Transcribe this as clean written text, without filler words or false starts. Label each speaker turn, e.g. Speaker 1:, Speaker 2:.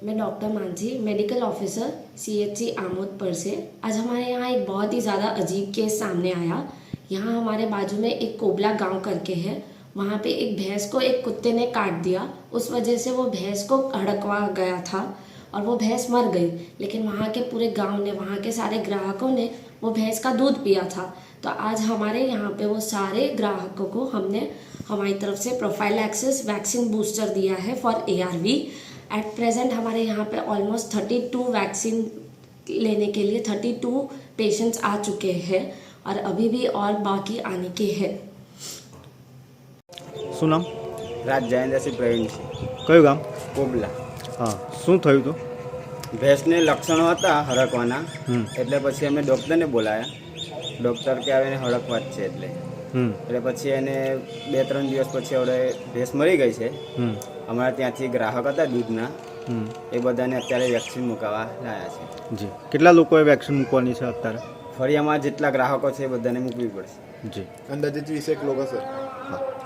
Speaker 1: मैं doctor Mansi, medical officer CHC Amod पर से। आज हमारे यहाँ एक बहुत ही ज़्यादा अजीब केस सामने आया। यहाँ हमारे बाजू में एक कोबला गांव करके है, वहाँ पे एक भैंस को एक कुत्ते ने काट दिया। उस वजह से वो भैंस को हड़कवा गया था और वो भैंस मर गई। लेकिन वहाँ के पूरे गांव ने, वहाँ के सारे ग्राहकों ने वो भैंस का दूध पिया था। तो आज हमारे यहाँ पे वो सारे ग्राहकों को हमने हमारी तरफ से प्रोफाइलैक्सिस वैक्सीन बूस्टर दिया है फॉर ARV। एट प्रेजेंट हमारे यहाँ पे ऑलमोस्ट 32 वैक्सीन लेने के लिए 32 पेशेंट्स आ चुके हैं और अभी भी और बाकी आने के हैं।
Speaker 2: શું નામ?
Speaker 3: રાજ જયેન્દ્રસિંહ પ્રવીણસિંહ,
Speaker 2: કયું ગામ?
Speaker 3: કોબલા.
Speaker 2: હા, શું થયું હતું?
Speaker 3: ભેંસને લક્ષણો હતા હડકવાના,
Speaker 2: હમ.
Speaker 3: એટલે પછી અમે ડૉક્ટરને બોલાયા. ડૉક્ટર કે આવે એને હડકવા જ છે એટલે પછી એને 2-3 દિવસ પછી હવે ભેંસ મરી ગઈ છે. અમારા ત્યાંથી ગ્રાહક હતા દૂધના, એ બધાને અત્યારે વેક્સિન મુકાવવા લાયા છે.
Speaker 2: જી, કેટલા લોકોએ વેક્સિન મૂકવાની છે અત્યારે?
Speaker 3: ફળિયામાં જેટલા ગ્રાહકો છે એ બધાને મૂકવી પડશે.
Speaker 2: જી,
Speaker 4: અંદાજે 20 લોકો સર.
Speaker 2: હા.